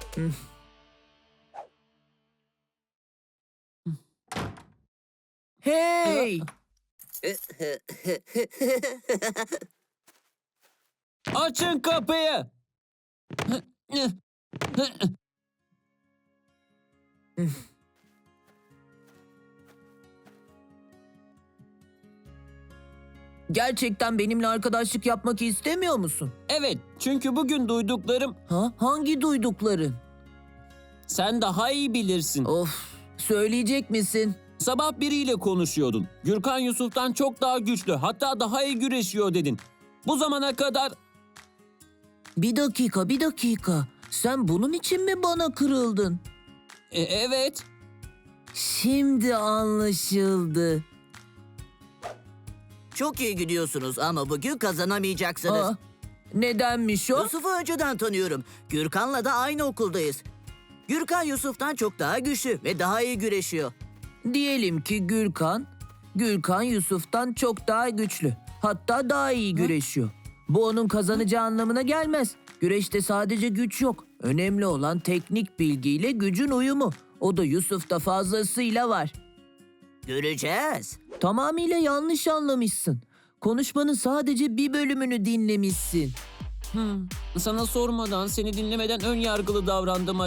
Hey! Açın kapıyı. Gerçekten benimle arkadaşlık yapmak istemiyor musun? Evet, çünkü bugün duyduklarım Ha? Hangi duydukların? sen daha iyi bilirsin. Of, söyleyecek misin? Sabah biriyle konuşuyordun. Gürkan Yusuf'tan çok daha güçlü, hatta daha iyi güreşiyor dedin. Bu zamana kadar Bir dakika. Sen bunun için mi bana kırıldın? evet. Şimdi anlaşıldı. Çok iyi gidiyorsunuz ama bugün kazanamayacaksınız. Aa, nedenmiş o? Yusuf'u önceden tanıyorum. Gürkan'la da aynı okuldayız. Gürkan Yusuf'tan çok daha güçlü ve daha iyi güreşiyor. Diyelim ki Gürkan Yusuf'tan çok daha güçlü. Hatta daha iyi güreşiyor. Bu onun kazanacağı anlamına gelmez. Güreşte sadece güç yok. Önemli olan teknik bilgiyle gücün uyumu. O da Yusuf'ta fazlasıyla var. Göreceğiz. Tamamıyla yanlış anlamışsın. Konuşmanın sadece bir bölümünü dinlemişsin. Sana sormadan, seni dinlemeden ön yargılı davrandım